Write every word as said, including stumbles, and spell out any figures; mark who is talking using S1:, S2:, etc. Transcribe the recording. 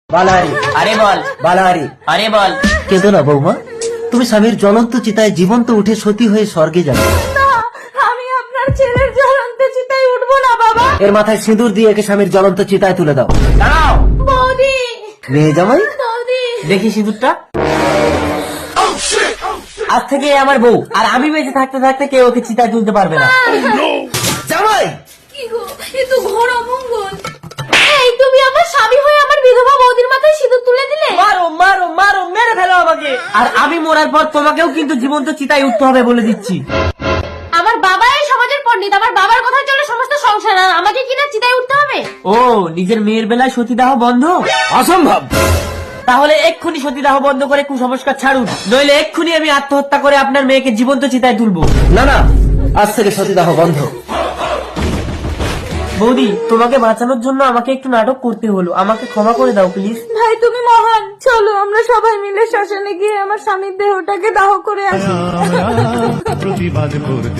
S1: বালাহারি,
S2: আরে বল,
S1: বালাহারি,
S2: আরে বল।
S1: কেঁদো না বৌমা, তুমি স্বামীর জ্বলন্ত চিতায় জীবন্ত উঠে সতী হয়ে স্বর্গে যাবে।
S3: না, আমি আপনার ছেলের জ্বলন্ত চিতায় উঠবো না বাবা।
S1: এর মাথায় সিঁদুর দিয়ে একে স্বামীর জ্বলন্ত চিতায় তুলে দাও।
S2: দাঁড়াও,
S3: বৌদি,
S1: মেয়ে জামাই,
S3: বৌদি,
S2: দেখি সিঁদুরটা। আজ থেকে এ আমার বউ, আর আমি বেঁচে থাকতে থাকতে কেউ ওকে চিতায় তুলতে পারবে না।
S1: জামাই
S3: কি গো, এ তো ঘোর অমঙ্গল। এই তুমি আমার স্বামী হয়ে আমার বিধবা বৌদির মাথায় সিঁদুর তুলে দিলে।
S2: মারো মারো মারো, মেরে ফেলো আমাকে। আর আমি মরার পর তোমাকেও কিন্তু জীবন্ত চিতায় উঠতে হবে বলে দিচ্ছি।
S3: আমার বাবা এই সমাজের পণ্ডিত, আমার বাবার কথা চলে সমস্ত সংসার, আর আমাকে কিনা চিতায় উঠতে হবে।
S2: ও, নিজের মেয়ের বেলায় সতীদাহ বন্ধ?
S1: অসম্ভব।
S2: তাহলে এক্ষুনি সতীদাহ বন্ধ করে কুসংস্কার ছাড়ুন, নইলে এক্ষুনি আমি আত্মহত্যা করে আপনার মেয়েকে জীবন্ত চিতায় তুলবো।
S1: না না, আজ থেকে সতীদাহ বন্ধ।
S2: বৌদি, তোমাকে বাঁচানোর জন্য আমাকে একটু নাটক করতে হলো, আমাকে ক্ষমা করে দাও প্লিজ।
S3: ভাই তুমি মহান, চলো আমরা সবাই মিলে শ্মশানে গিয়ে আমার স্বামীর দেহটাকে দাহ করে আসি।
S4: প্রতিবাদ করতে